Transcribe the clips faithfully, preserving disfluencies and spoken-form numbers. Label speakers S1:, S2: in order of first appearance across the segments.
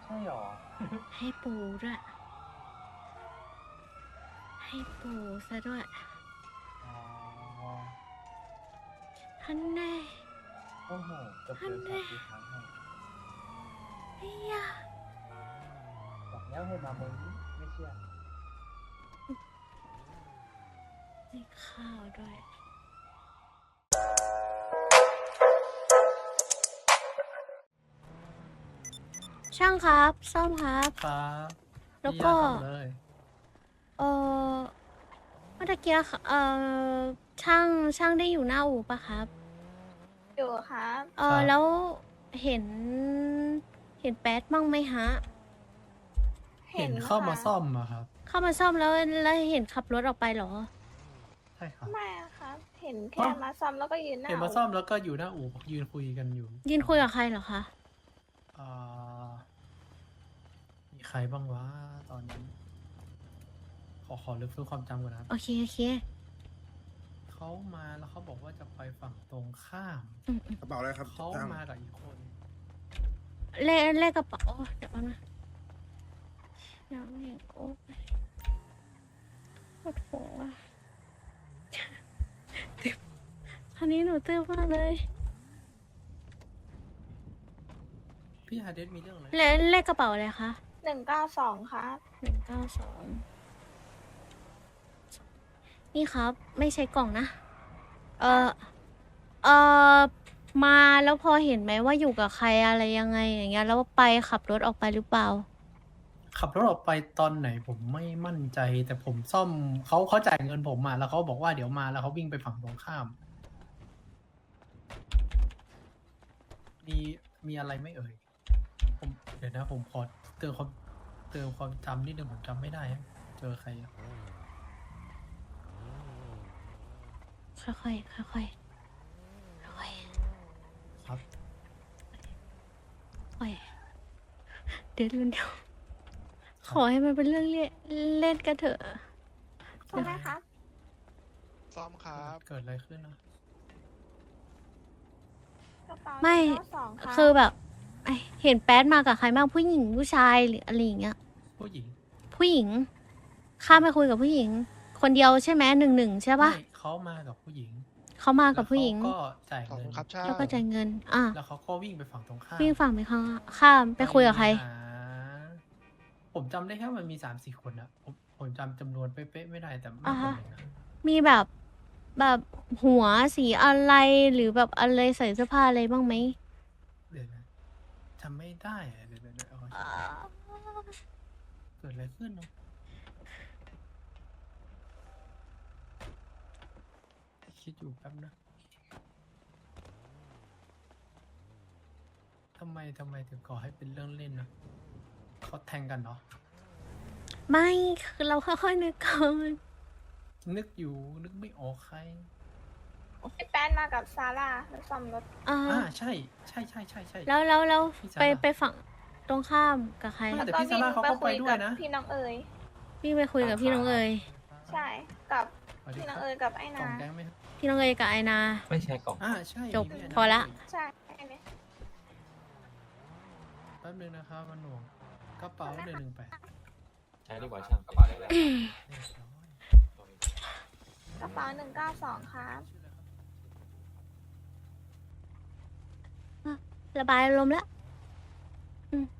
S1: ช่หรอ
S2: ให้ปูด้วยให้ปูซะด้วย
S1: อ๋อ
S2: ฮันแน่
S1: โอ้โหเกือบเดินสวั
S2: ฮันแน่
S1: สดีครั้งให้
S2: เฮีย
S1: บอกแล้วให้มาเมืองนี้ไม่เชื่อ
S2: ให้ข้าวด้วยช่างครับซ่อมครับ
S3: ครับ
S2: แล้ว
S3: พี่
S2: ก็
S3: ย่าทำเลย
S2: เออเมื่อตะกี้ค่ะเออช่างช่างได้อยู่หน้าอู่ปะครับ
S4: อยู่ครับ
S2: เอ
S3: ครั
S2: อบ แล้วเห็นเห็นแป๊ดบ้างไหมฮะ
S3: เห็นเข้ามา
S4: ค่ะ
S3: ซ่อมอะครับ
S2: เข้ามาซ่อมแล้วแล้วเห็นขับรถออกไปเหรอ
S3: ใช่ครับ
S4: ไม่อะครับ เห็น
S3: อ๋
S4: แค่
S3: อ
S4: มาซ่อมแล้วก็ยืนหน้า
S3: เห็นมาซ่อมแล้วก็อยู่หน้าอู่ยืนคุยกันอยู่
S2: ยืนคุยกับใครเหรอคะ
S3: อ่ามีใครบ้างวะตอนนี้ ขอขอรื้อฟื้นความจำก่อนนะครับ
S2: โอเคโอเค
S3: เขามาแล้วเขาบอกว่าจะไปฝั่งตรงข้าม
S2: อืมอืม
S5: กระเป๋าอะไรครับ
S3: เขา
S5: ตั้ง
S3: มากับอีกคน
S2: เลขเลขกระเป๋าโอ้เดี๋ยวแป๊บนะเดี๋ยวนี่โอ้ปวดหัวตึ๊บคันนี้หนูตื้อมากเลย
S3: พี่ฮาเดสมีเรื่องอะไร
S2: เลขเลขกระเป๋าอะไรคะ
S4: หนึ่งเก้าสองครับ
S2: หนึ่งเก้าสองนี่ครับ ไม่ใช่กล่องนะ เออเออมาแล้วพอเห็นไหมว่าอยู่กับใครอะไรยังไงอย่างเงี้ยแล้วไปขับรถออกไปหรือเปล่า
S3: ขับรถออกไปตอนไหนผมไม่มั่นใจ แต่ผมซ่อมเขาเขาจ่ายเงินผมมาแล้วเขาบอกว่าเดี๋ยวมาแล้วเขาวิ่งไปฝั่งตรงข้าม มีมีอะไรไหม่เอ่ย ผมเดี๋ยวนะผมขอเติมความเติมความจำนิดนึงผมจำไม่ได้อะเจอใครอะ
S2: ค่อยๆ ค่อยๆ ค่อยๆ
S3: ครับ
S2: ค่อยเดี๋ยวเดี๋ยวเดี๋ยวขอให้มันเป็นเรื่องเล่นเล่นกันเถอะ
S4: ใช่ไหมครับ
S6: ซ่อมครับ
S3: เกิดอะไรขึ้นนะ
S4: กระเป๋า
S2: ไม่
S4: หนึ่งเก้าสองครับ
S2: คือแบบไอเห็นแป๊ดมากับใครบ้างผู้หญิงผู้ชายหรืออะไรอย่างเงี้ย
S3: ผู้หญิง
S2: ผู้หญิง ข้ามไปคุยกับผู้หญิง คนเดียวใช่ไหมหนึ่งหนึ่งใช่ปะ
S3: ไม่เขามากับผู้หญิง
S2: เขามากับผู้หญิง
S3: แล้วเขาก็จ่าย
S6: ขอบ
S3: เงิ
S6: คุ
S3: น
S6: ณครับช่าง
S2: แล้วก็จ่ายเงิน อ่ะ
S3: แล้วเขาก็วิ่งไปฝั่งตรงข้าม
S2: วิ่งฝั่งไปข้างข้ามไปคุยกับใคร
S3: หาผมจำได้แค่มันมีสามสี่คนอะผมผมจำจำนวนเป๊ะๆไม่ได้แต่ไม่
S2: อ่า
S3: ค
S2: ฮะ
S3: นหนึ่งนะ
S2: มีแบบแบบหัวสีอะไรหรือแบบอะไรใส่เสื้อผ้าอะไรบ้างไหม
S3: เดี๋ยวนะจำไม่ได้อะเดี๋ยวเดี๋ยวเดี๋ยวเอา
S2: อ่า
S3: เกิดอะไรขึ้นเนาะคิดอยู่แป๊บนะทำไมทำไมถึงก่อให้เป็นเรื่องเล่นนะเขาแทงกันเนาะ
S2: ไม่คือเราค่อยๆนึกก่อน
S3: นึกอยู่นึกไม่ออกใคร
S4: ไอ้แป้นมากับซาร่าแล้วซ่อมรถ
S2: อ่า
S3: อ่าใช่ใช่ใช่ใช่ใช่
S2: แล้วแล้วแล้ว
S3: พี่
S2: ไป
S3: ซาร่า
S2: ไปฝั่งตรงข้ามกับใคร
S3: ไม่
S4: แล้ว
S3: แต่
S4: ก็
S3: พี่ซา
S4: วิ่ง
S3: ร่าเขา
S4: ไป
S3: ก็ไป
S4: คุย
S3: ด้วย
S4: กับ
S3: นะ
S4: พี่น้องเอ๋ย
S2: พี่ไปคุยกับพี่น้องเอ๋ย
S4: ใช่ กับ
S3: สวัสดี
S4: พี่
S3: ค
S4: น้
S3: รั
S4: อบ งเอ๋ยกับไอ้
S3: กล่อ
S4: นา
S3: งแดงไหมครับ
S2: พี่น้องเอ๋ยกับไอนา
S7: ไม่ใช่กล่อง
S3: อ่าใช่
S2: จบ
S3: พี่น
S2: พอละ
S4: ใช่ไอ้เนี่ย
S3: แป๊บนึงนะครับมันหน่วงกระเป๋าหนึ่งหนึ่งแปด
S7: ใช้ดีกว่าช่างกระเป๋าเลยแหละ
S4: กระเป๋าหนึ่งเก้าสองครับ
S2: ระบายอารมณ์แล้วอืม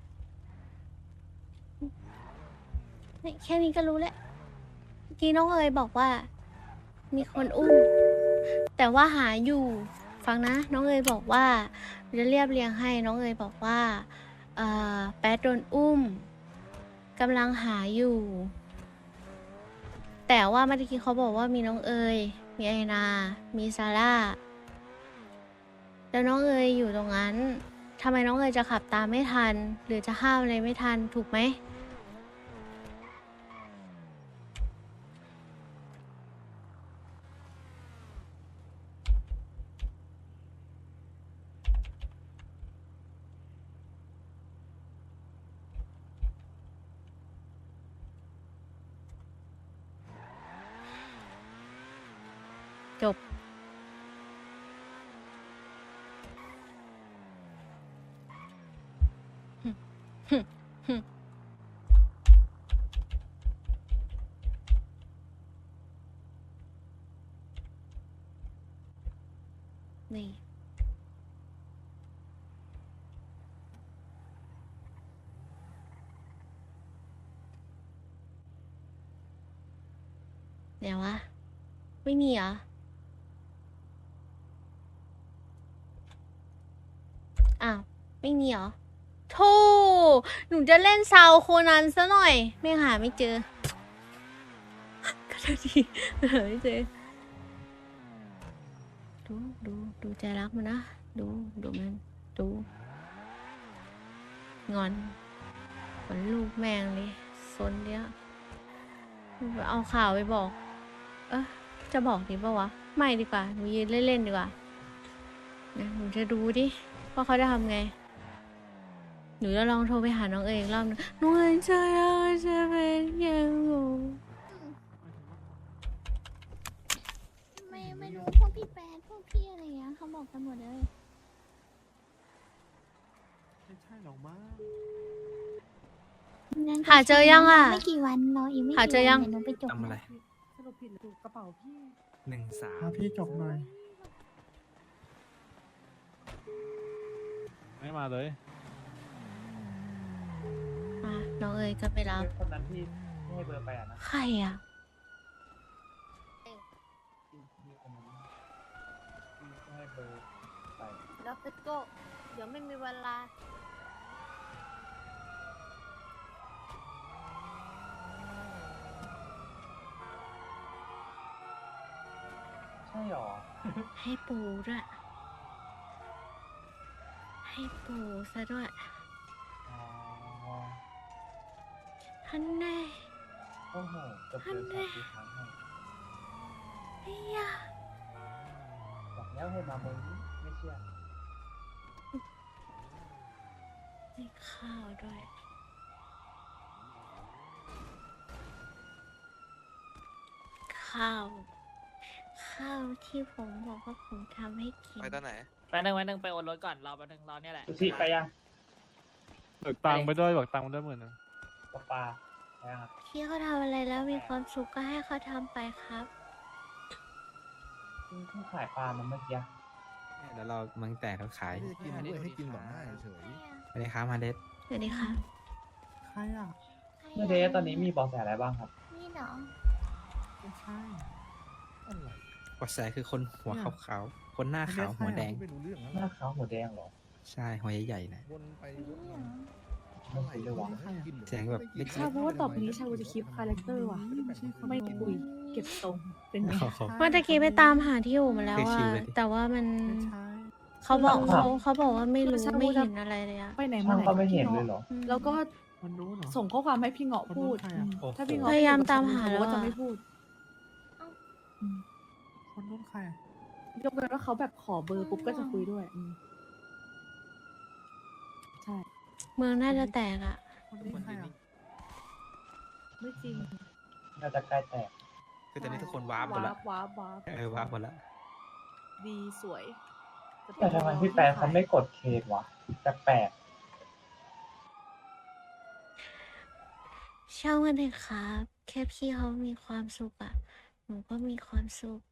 S2: นี่แค่นี้ก็รู้แล้วเมื่อกี้น้องเอ๋ยบอกว่า มีคนอุ้ม แต่ว่าหาอยู่ ฟังนะ น้องเอ๋ยบอกว่าจะเรียบเรียงให้น้องเอ๋ยบอกว่าเอ่อแป๊ดโดนอุ้มกำลังหาอยู่ แต่ว่าเมื่อกี้เขาบอกว่ามีน้องเอ๋ยมีไอนา มีซาร่า แล้วน้องเอ๋ยอยู่ตรงนั้นทำไมน้องเอ๋ยจะขับตามไม่ทัน หรือจะห้ามอะไรไม่ทันถูกไหม จบ หึนี่ เดี๋ยววะ ไม่มีเหรอ อ้าว ไม่มีเหรอโธ่หนูจะเล่นซาวโคนันซะหน่อย ไม่หาไม่เจอ ก็เท่าทีหาไม่เจอ ดูดูดูใจรักมันนะ ดูดูมัน ดู งอนเหมือนลูกแมงเลยซนเนี้ยเอาข่าวไปบอก เออจะบอกดีปะวะ ไม่ดีกว่า หนูยืนเล่นๆดีกว่านะหนูจะดูดิว่าเขาจะทำไง หนูจะลองโทรไปหาน้องเอ๋ยอีกรอบนึงน้องเอ๋ยจะจะเป็นยังไง ไม่ไม่รู้พวกพี่แปดพวกพี่อะไรเงี้ยเขาบอกกันหมดเลย
S5: ไม่ใช่หรอกมั้ง
S2: หาเจอยังอ่ะ
S8: ไม่กี่วันรออีกไม่
S2: หา
S8: กี่
S2: เจอยั
S8: วั
S2: ง
S8: นเดี๋ยวหนูไปจบ
S5: ทำอะไร
S1: สรุปผิดหรือถูกกระเป๋าพี่
S5: หนึ่งสาม
S1: พาพี่จบหน่อย
S5: ไม่มาเลย
S2: อ่ะน้องเอ๋ยก็ไปรับ
S1: คนนั้นที่ให้เบอร์ไปอ่ะนะ
S2: ใครอ่ะ
S1: ที่ที่คนนั้นที่ให้เบอร์ไป
S2: แล้วไปโก้เดี๋ยวไม่มีเวลา
S1: ใช่หรอ
S2: ให้ปูด้วย ให้ปูซะด้วย
S1: อ๋อ
S2: ฮันแน่
S1: โอ้โหจบเลยสามสี่ครั้งให้
S2: ไอ้ยา
S1: บอกแล้วให้มาเมืองนี้ไม่เชื่อ
S2: ให้ข้าวด้วย ข้าว ข้าวที่ผมบอกว่าผมทำให้กิน
S6: ไปตอนไหน
S9: ไปหนึ่งไปหนึ่งไปโอนรถก่อนรอไปหนึ่งรอเนี่ยแหละ
S1: สุชิไปยัง
S5: เบิกตังค์ไปด้วยเบิกตังค์ไปด้วยหมื่นหนึง
S1: ปลาปลาไปยังครับ
S2: ที่เขาทำอะไรแล้วมีความสุขก็ให้เขาทำไปครับ
S1: เพิ่งขายปลามันเมื่อกี้
S10: แล้วเรามังแต่เขาขาย
S9: ไม่ได้กินด้วยให้กินแบบง่ายเฉย
S10: ไปเลยครับมาเด็ด
S2: สวัสดีค่ะ
S1: ใครอ่ะเมื่อเดย์ตอนนี้มีเบอแสอะไรบ้างครับ
S8: นี่เหรอ
S1: ไม่ใช่
S10: กว่าแสคือคนหัวขาวๆคนหน้าขาวหัวแดง
S9: ไม่รู้เรื่องแล้ว
S1: หน้าขาวหัวแดงเหรอ
S10: ใช่หัวใหญ่ๆนะ
S9: วนไปวนมา
S1: ไม่ใช่เลยวะ
S10: แสงแบบเล็ก
S11: ชาบูว่าต่อไปนี้ชาบูจะคลิปคาแรคเตอร์ว่ะ ไม่คุย เก็บทรง เป็นไง
S10: ๆ
S2: เมื่อตะกี้ไปตามหาที่อยู่มาแล้ว
S10: คือชิ
S2: อะ
S10: วเลยดิ
S2: แต่ว่ามัน
S1: ไม่ใช่
S2: เขาบอก
S1: ครับ
S2: เขาเขาบอกว่าไม่รู้
S11: ชาบู
S2: ไม่
S11: จะ
S2: เห็นอะไรเลยอะ
S11: ไปไหนมา
S1: ช่าง
S11: ไหน
S1: ก็ไม่เห็น
S11: พี่
S1: เลย
S11: งาะ
S1: เหรอ
S2: อืม
S11: แล้วก็
S1: คนนู้นเหรอ
S11: ส่งข้อความให้พี่เงาะพูด
S1: คนนู้นใครอะ
S11: อืมถ้าพี่เงาะ
S2: พยายาม
S11: พูด
S2: ตามหา
S11: ชบูก็
S2: แล้วอะ
S11: จะไม่พูด
S1: คนนู้นใครอะ
S11: ยกเว้นว่าเขาแบบขอเบอร์ปุ๊บก็จะคุยด้วยอืมใช่
S2: เมืองน่าจะแตกอะ
S1: คนนี้ใครอะ
S11: ไม่จริง
S1: น่าจะใกล้แตก
S10: คือตอนนี้ทุกคนว้าร์ปหมด
S11: วา
S10: ละ
S11: ร์ปวาร์ปวาร์ป
S10: เออว้าร์ปหมดละ
S11: ดีสวย
S1: แต่ทำไมพี่แปนเขาไม่กดเควสวะแปลก
S2: ช่างมันเถอะครับ แค่พี่เขามีความสุขอะหนูก็มีความสุข